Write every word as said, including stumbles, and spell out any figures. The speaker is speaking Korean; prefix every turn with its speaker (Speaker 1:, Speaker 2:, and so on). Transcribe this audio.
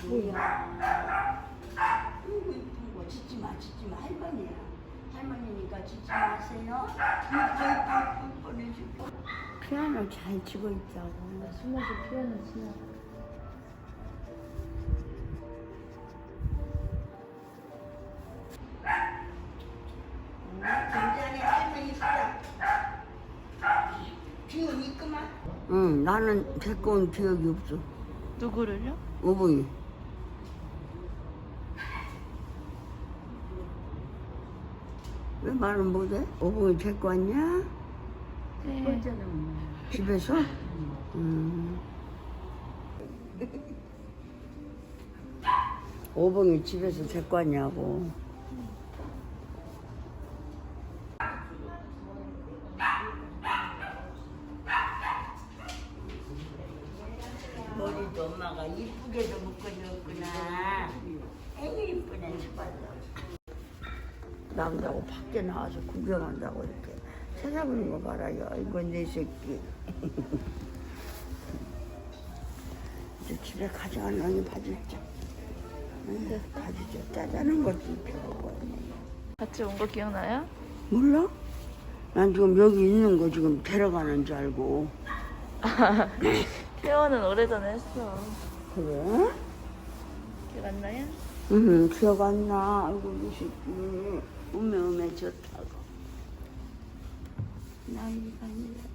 Speaker 1: 뭐야? 아이고 이쁜 거 짖지 마, 짖지 마. 할머니야. 할머니니까 짖지 마세요. 이뻐 이뻐 보내줄게. 피아노 잘 치고 있다고.
Speaker 2: 숨어서 피아노 치나.
Speaker 1: 굉장히 할머니 수다. 기운 있구만. 응, 나는 데리고 온 기억이 없어.
Speaker 2: 누구를요?
Speaker 1: 어머니. 왜 말을 못해? 어머니 데리고 왔냐?
Speaker 2: 네.
Speaker 1: 집에서? 음. 오봉이 집에서 데리고 왔냐고. 머리도 엄마가 이쁘게도 묶어줬구나. 애기 이쁘네, 싶어서. 남자고 밖에 나와서 구경한다고 이렇게 찾아보는 거 봐라요. 이거 내 새끼. 이제 집에 가져가려니 바지죠. 응, 바지죠. 짜자는 거지 입혀보고.
Speaker 2: 같이 온 거 기억나요?
Speaker 1: 몰라? 난 지금 여기 있는 거 지금 데려가는 줄 알고.
Speaker 2: 퇴원은 오래전에 했어.
Speaker 1: 그래?
Speaker 2: 기억 안 나요?
Speaker 1: 응, 기억 안 나. 아이고, 이 새끼. 우메 우메 좋다고. 나이가 아니라.